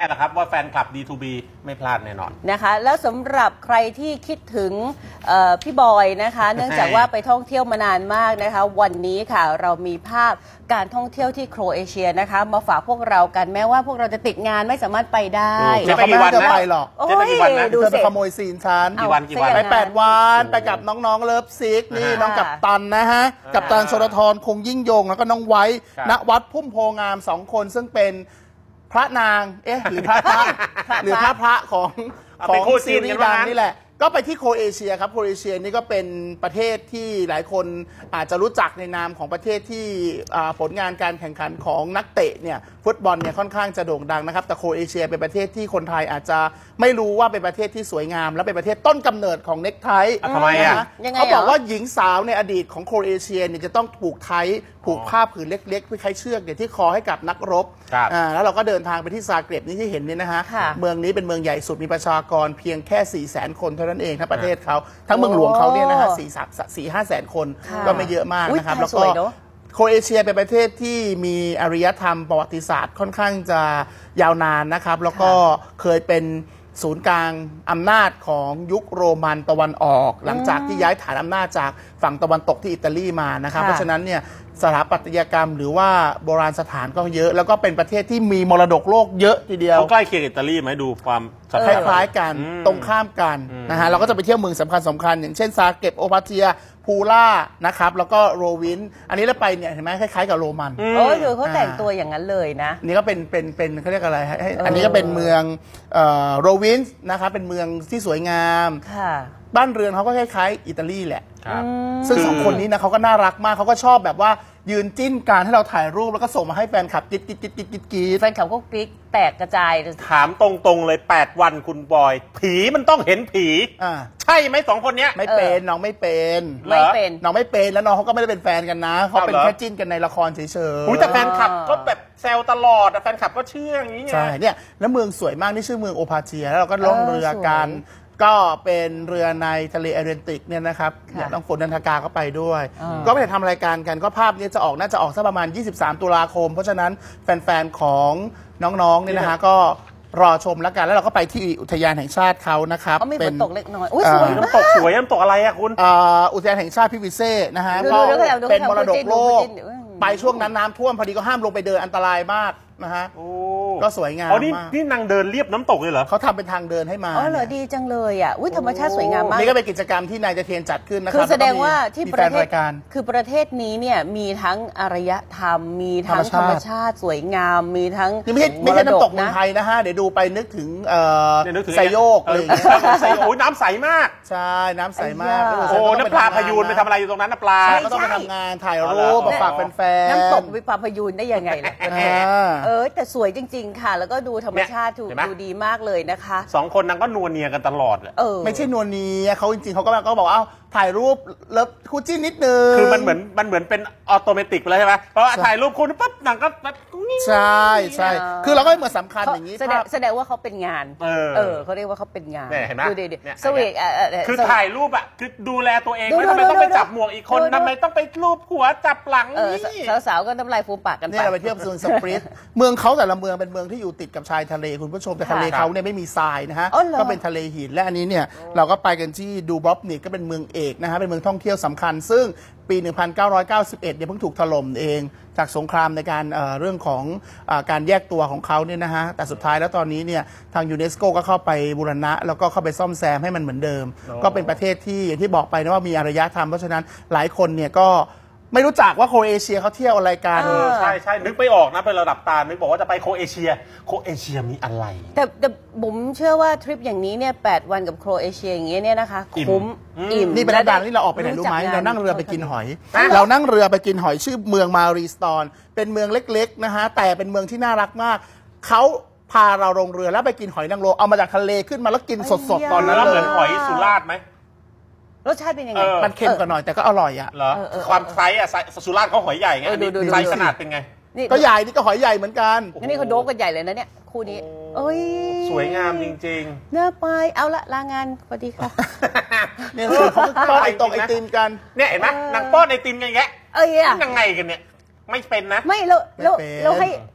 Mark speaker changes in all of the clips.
Speaker 1: แหละครับว่าแฟนคลับ D2B ไม่พลาดแน่นอน
Speaker 2: นะคะแล้วสำหรับใครที่คิดถึงพี่บอยนะคะเนื่องจากว่าไปท่องเที่ยวมานานมากนะคะวันนี้ค่ะเรามีภาพการท่องเที่ยวที่โครเอเชียนะคะมาฝากพวกเรากันแม้ว่าพวกเราจะติดงานไม่สามารถไปได้
Speaker 3: จะไปกี่วันนะไปหรอก
Speaker 2: จะไปกี่วัน
Speaker 3: นะดูไปขโมยซีนฉัน
Speaker 1: กี่วัน
Speaker 3: ไป8 วันไปกับน้องๆเลิฟซิกนี่น้องกัปตันนะฮะกัปตันชลธรคงยิ่งยงแล้วก็น้องไว้ณวัดพุ่มโพงาม2 คนซึ่งเป็นพระนางหรือพระหรือพระของซีรีส์ดังนี่แหละก็ไปที่โครเอเชียครับโครเอเชียนี่ก็เป็นประเทศที่หลายคนอาจจะรู้จักในนามของประเทศที่ผลงานการแข่งขันของนักเตะเนี่ยฟุตบอลเนี่ยค่อนข้างจะโด่งดังนะครับแต่โครเอเชียเป็นประเทศที่คนไทยอาจจะไม่รู้ว่าเป็นประเทศที่สวยงามและเป็นประเทศต้นกำเนิดของเน็กไท
Speaker 1: ทำไมอ่ะ
Speaker 3: เขาบอกว่าหญิงสาวในอดีตของโครเอเชียเนี่ยจะต้องผูกไทผูกผ้าผืนเล็กๆเพื่อคล้ายเชือกเนี่ยที่คอให้กับนักรบแล้วเราก็เดินทางไปที่ซาเกร็บนี่ที่เห็นนี่นะฮะเมืองนี้เป็นเมืองใหญ่สุดมีประชากรเพียงแค่400,000 คนเท่านั้นเองทั้งประเทศเขาทั้งเมืองหลวงเขาเนี่ยนะฮะ4-5 แสนคนก็ไม่เยอะมากนะครับแล้วก็โครเอเชียเป็นประเทศที่มีอารยธรรมประวัติศาสตร์ค่อนข้างจะยาวนานนะครับแล้วก็เคยเป็นศูนย์กลางอำนาจของยุคโรมันตะวันออกหลังจากที่ย้ายฐานอำนาจจากฝั่งตะวันตกที่อิตาลีมานะครับเพราะฉะนั้นเนี่ยสถาปัตยกรรมหรือว่าโบราณสถานก็เยอะแล้วก็เป็นประเทศที่มีมรดกโลกเยอะทีเดียว
Speaker 1: เขาใกล้เคียงอิตาลีไหมดูความ
Speaker 3: คล้ายๆกันตรงข้ามกันนะฮะเราก็จะไปเที่ยวเมืองสำคัญอย่างเช่นซาเกร็บโอปาเจียพูล่านะครับแล้วก็โรวินอันนี้เราไปเนี่ยเห็นไหมคล้ายๆกับโรมัน
Speaker 2: ดูเขาแต่งตัวอย่างนั้นเลยนะ
Speaker 3: นี่ก็เป็นเขาเรียกอะไรอันนี้ก็เป็นเมืองโรวินนะครับเป็นเมืองที่สวยงามบ้านเรือนเขาก็คล้ายๆอิตาลีแหละซึ่ง2 คนนี้นะเขาก็น่ารักมากเขาก็ชอบแบบว่ายืนจิ้นการให้เราถ่ายรูปแล้วก็ส่งมาให้แฟนคลับกิ๊ด
Speaker 2: แฟนคลับก็กิ๊กแตกกระจาย
Speaker 1: ถามตรงๆเลย8 วันคุณบอยผีมันต้องเห็นผีใช่ไหม2 คนนี้
Speaker 3: ไม่เป็นน้องไม่เป็นน้องไม่เป็นแล้วน้องเขาก็ไม่ได้เป็นแฟนกันนะเขาเป็นแค่จิ้นกันในละครเฉย
Speaker 1: ๆแต่แฟนคลับก็แบบแซวตลอดแฟนคลับก็เชื่ออย่างนี้
Speaker 3: ใช่เนี่ยแล้วเมืองสวยมากนี่ชื่อเมืองโอพาเจียแล้วเราก็ล่องเรือกันก็เป็นเรือในทะเลแอตแลนติกเนี่ยนะครับน้องฝนนันทกาก็ไปด้วยก็ไปทำรายการกันก็ภาพนี้จะออกน่าจะออกสักประมาณ23 ตุลาคมเพราะฉะนั้นแฟนๆของน้องๆเนี่ยนะฮะก็รอชมแล้วกันแล้วเราก็ไปที่อุทยานแห่งชาติเขานะครับ
Speaker 2: เป็นตกเล็กน้อย
Speaker 1: สวยน้ำตกสวยน้ำตกอะไรอะคุณ
Speaker 3: อุทยานแห่งชาติพิวิเซ่นะฮะก็เป็นมรดกโลกไปช่วงนั้นน้ำท่วมพอดีก็ห้ามลงไปเดินอันตรายมากนะฮะก็สวยงามมาก
Speaker 1: นี่นางเดินเรียบน้ำตกเลยเหรอ
Speaker 3: เขาทำเป็นทางเดินให้มา
Speaker 2: เหรอดีจังเลยอ่ะธรรมชาติสวยงามมาก
Speaker 3: นี่ก็เป็นกิจกรรมที่นายเทียนจัดขึ้นนะครับ
Speaker 2: คือแสดงว่าที่ประเทศคือประเทศนี้เนี่ยมีทั้งอารยธรรมมีทั้งธรรมชาติสวยงามมีทั้ง
Speaker 3: ไม่ใช่น้ำตกเมืองไทยนะฮะเดี๋ยวดูไปนึกถึงไซโยกอะไรอย่างเงี้ย
Speaker 1: น้ำใสมาก
Speaker 3: ใช่น้ำใสมาก
Speaker 1: น้ำปลาพยูนไปทำอะไรอยู่ตรงนั้นน้ำปลา
Speaker 3: ก็ต้องไปทำงานถ่ายรูปฝากแฟน
Speaker 2: น้ำตกวิปาพยูนได้ยังไงล่ะแต่สวยจริงๆค่ะแล้วก็ดูธรรมชาติดูดีมากเลยนะคะ
Speaker 1: 2 คนนั้นก็นัวเนียกันตลอด
Speaker 3: ไม่ใช่นัวเนียเขาจริงๆเขาก็บอกว่าถ่ายรูปเลิฟคู่จิ้นนิดนึง
Speaker 1: คือมันเหมือนเป็นออโตเมติกไปเลยใช่ไหมเพราะว่าถ่ายรูปคุณปั๊บหนังก็
Speaker 3: ใช่คือเราก็เหมือนสำคัญอย่างนี้
Speaker 2: แสดงว่าเขาเป็นงานเขาเรียกว่าเขาเป็นงาน
Speaker 1: เห็นไหม
Speaker 2: สวีท
Speaker 1: คือถ่ายรูปอะคือดูแลตัวเองไม่ทำไมต้องไปจับหมวกอีกคนทำไมต้องไปรูปหัวจับหลัง
Speaker 2: นี่สาวๆก็น้ำลายฟูมปากกันไป
Speaker 3: เราไปเที่ยวซูนสปริตเมืองเขาแต่ละเมืองเป็นเมืองที่อยู่ติดกับชายทะเลคุณผู้ชมแต่ทะเลเขาเนี่ยไม่มีทรายนะฮะก็เป็นทะเลหินและอันนี้เนี่ยเราก็ไปกันที่ดูบรอบนิกก็เป็นเมืองเอกนะฮะเป็นเมืองท่องเที่ยวสำคัญซึ่งปี 1991เนี่ยเพิ่งถูกถล่มเองจากสงครามในการเรื่องของการแยกตัวของเขาเนี่ยนะฮะแต่สุดท้ายแล้วตอนนี้เนี่ยทางยูเนสโกก็เข้าไปบูรณะแล้วก็เข้าไปซ่อมแซมให้มันเหมือนเดิมก็เป็นประเทศที่อย่างที่บอกไปนะว่ามีอารยธรรมเพราะฉะนั้นหลายคนเนี่ยก็ไม่รู้จักว่าโครเอเชียเขาเที่ยวอะไรกัน
Speaker 1: ใช่นึกไปออกนะเป็นระดับตานึกบอกว่าจะไปโครเอเชียมีอะไร
Speaker 2: แต่บุ๋มเชื่อว่าทริปอย่างนี้เนี่ย8 วันกับโครเอเชียอย่างเงี้ยเนี่ยนะคะคุ้มอิ่ม
Speaker 3: นี่เป็นดังที่เราออกไปไหนรู้ไหมเรานั่งเรือไปกินหอยเรานั่งเรือไปกินหอยชื่อเมืองมารีสตอนเป็นเมืองเล็กๆนะฮะแต่เป็นเมืองที่น่ารักมากเขาพาเราลงเรือแล้วไปกินหอยนางรมเอามาจากทะเลขึ้นมาแล้วกินสดๆตอนนั้น
Speaker 1: เลยเหมือนหอยสุราษฎร์ไหม
Speaker 2: รสชาติเป็นยังไง
Speaker 3: มันเค็มกว่าหน่อยแต่ก็อร่อยอ่ะ
Speaker 1: เหรอความไซส์อะสุราษฎร์เขาหอยใหญ่ไงไซส์ขนาดเป็นไง
Speaker 3: ก็ใหญ่นี่ก็หอยใหญ่เหมือนกัน
Speaker 2: นี่เขาโดบกันใหญ่เลยนะเนี่ยคู่นี้
Speaker 1: สวยงามจริง
Speaker 2: ๆเนื้อไปเอาละลางานสวัสดีค่ะ
Speaker 3: เนี่ยเขาป้อนไอติมกัน
Speaker 1: เนี่ยเห็นไหมนางป้อนไอติมกันแกยังไงกันเนี่ยไม่เป็นนะ
Speaker 2: ไม่เราให้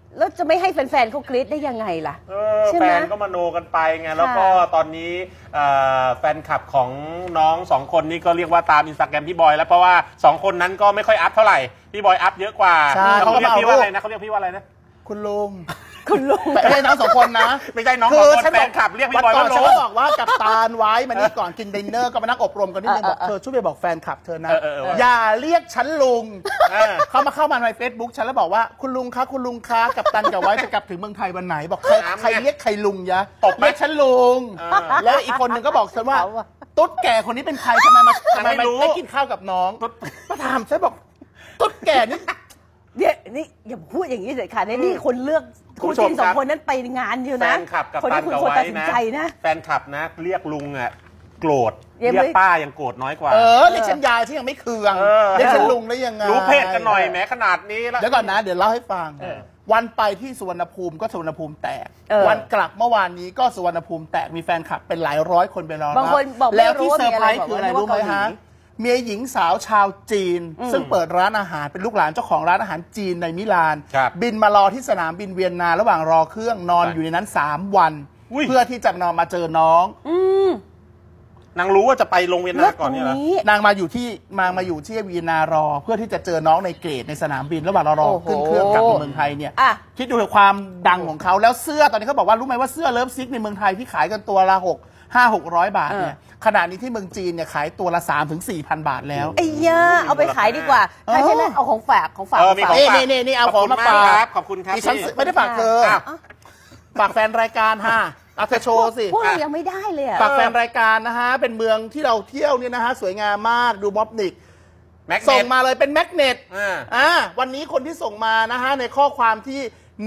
Speaker 2: แล้วจะไม่ให้แฟนๆเขากรี๊ดได้ยังไงล่ะใช่ไห
Speaker 1: แฟ
Speaker 2: ม
Speaker 1: นก็มโนกันไปไงแล้วก็ตอนนี้แฟนคลับของน้องสองคนนี้ก็เรียกว่าตามอินสตาแกรมพี่บอยแล้วเพราะว่า2คนนั้นก็ไม่ค่อยอัพเท่าไหร่พี่บอยอัพเยอะกว่า
Speaker 3: ใช่
Speaker 1: เขาเรียกพี่ว่าอะไรนะเขาเรียกพี่ว่าอะไรนะ
Speaker 3: คุณลุง
Speaker 2: คุณลุง
Speaker 3: แต่ไม่ใช่น้อง2 คนนะ
Speaker 1: ไม่ใช่น้องสองคนแฟนคลับเรียกพี่บอย
Speaker 3: ก่อ
Speaker 1: ว่าน
Speaker 3: ฉัน
Speaker 1: ลุ
Speaker 3: ก็
Speaker 1: ง
Speaker 3: บอกว่ากับตาลไว้มานี่ก่อนกินดินเนอร์ก็มานั่งอบรมกันนิดนึงบอกเธอช่วยไปบอกแฟนคลับเธอนะอย่าเรียกฉันลุงเข้ามาใน Facebook ฉันแล้วบอกว่าคุณลุงคะคุณลุงคะกับตันกับไว้จะกลับถึงเมืองไทยวันไหนบอกใครเรียกใครลุงยะเรียกฉันลุงแล้วอีกคนหนึ่งก็บอกฉันว่าตุ๊ดแก่คนนี้เป็นใครทำไมมาได้กินข้าวกับน้องมาถามฉันบอกตุ๊ดแก่นี่
Speaker 2: เนี่ยนี่อย่าพูดอย่างนี้เลยค่ะนี่คนเลือกคู่จิ้น2 คนนั้นไปงานอยู่นะ
Speaker 1: แฟนคลับกับ
Speaker 2: คน
Speaker 1: ตั
Speaker 2: ที่
Speaker 1: น
Speaker 2: คุณ
Speaker 1: กับ
Speaker 2: ควร
Speaker 1: ไว้
Speaker 2: ตัดสินใจนะ
Speaker 1: แฟนคลับนะเรียกลุงอ่ะโกรธ
Speaker 2: ยัง
Speaker 1: เรี
Speaker 2: ไม่
Speaker 1: ยกป้ายังโกรธน้อยกว่า
Speaker 3: เรียกฉันยายที่ยังไม่เคืองเรียกฉันลุงได้ยังไง
Speaker 1: รู้เพศกันหน่อยแม้ขนาดนี้แล้ว
Speaker 3: เดี๋ยวก่อนนะเดี๋ยวเล่าให้ฟังวันไปที่สุวรรณภูมิก็สุวรรณภูมิแตกวันกลับเมื่อวานนี้ก็สุวรรณภูมิแตกมีแฟนคลับเป็นหลายร้อยคนไปรอรับบ
Speaker 2: างคนบอก
Speaker 3: แล้วที่เซอร์ไพรส์คืออะไรรู้ไหมฮะเมียหญิงสาวชาวจีนซึ่งเปิดร้านอาหารเป็นลูกหลานเจ้าของร้านอาหารจีนในมิลานบินมารอที่สนามบินเวียนนาระหว่างรอเครื่องนอนอยู่ในนั้น3 วันเพื่อที่จะนอนมาเจอน้อง
Speaker 1: นางรู้ว่าจะไปลงเวียนนาก่อนนี่เหร
Speaker 3: อนางมาอยู่ที่เวียนนารอเพื่อที่จะเจอน้องในเกตในสนามบินระหว่างรอขึ้นเครื่องกลับมาเมืองไทยเนี่ยคิดดูถึงความดังของเขาแล้วเสื้อตอนนี้เขาบอกว่ารู้ไหมว่าเสื้อเลิฟซิกในเมืองไทยที่ขายกันตัวละ500-600 บาทเนี่ยขณะนี้ที่เมืองจีนเนี่ยขายตัวละ3,000-4,000 บาทแล้ว
Speaker 2: ไอ้ย่าเอาไปขายดีกว่าถ้าใช่ไหมเอาของฝาก
Speaker 3: นี่เอาของมาฝาก
Speaker 1: ขอบคุณครับ
Speaker 3: ดิฉันไม่ได้ฝากเธอฝากแฟนรายการฮะเอาเธอโชว์สิ
Speaker 2: พวกเรายังไม่ได้เลย
Speaker 3: ฝากแฟนรายการนะฮะเป็นเมืองที่เราเที่ยวเนี่ยนะฮะสวยงามมากดูม็อบนิกส่งมาเลยเป็นแมกเนตวันนี้คนที่ส่งมานะฮะในข้อความที่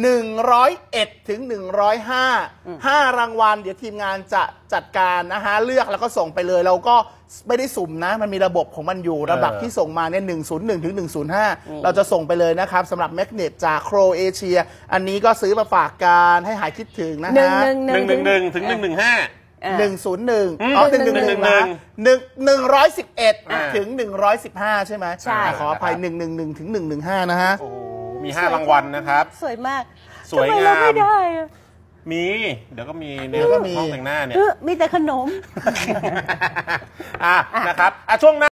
Speaker 3: 101ถึง105รางวัลเดี๋ยวทีมงานจะจัดการนะฮะเลือกแล้วก็ส่งไปเลยเราก็ไม่ได้สุ่มนะมันมีระบบของมันอยู่ระดับที่ส่งมาเนี่ย101ถึง105เราจะส่งไปเลยนะครับสำหรับแมกเนตจากโครเอเชียอันนี้ก็ซื้อมาฝากการให้หายคิดถึงนะฮะ
Speaker 1: 111ถึง115
Speaker 3: 101111ถึง115ใช่ไหม
Speaker 2: ใช่
Speaker 3: ขออภัย111ถึง115นะฮะ
Speaker 1: มี5รางวัลนะครับ
Speaker 2: สวยมาก
Speaker 1: สวยงาม
Speaker 2: ไม่ได้
Speaker 1: มีเดี๋ยวก็มีในห้องแต่งหน้าเนี่ย
Speaker 2: มีแต่ขนม
Speaker 1: นะครับช่วงหน้า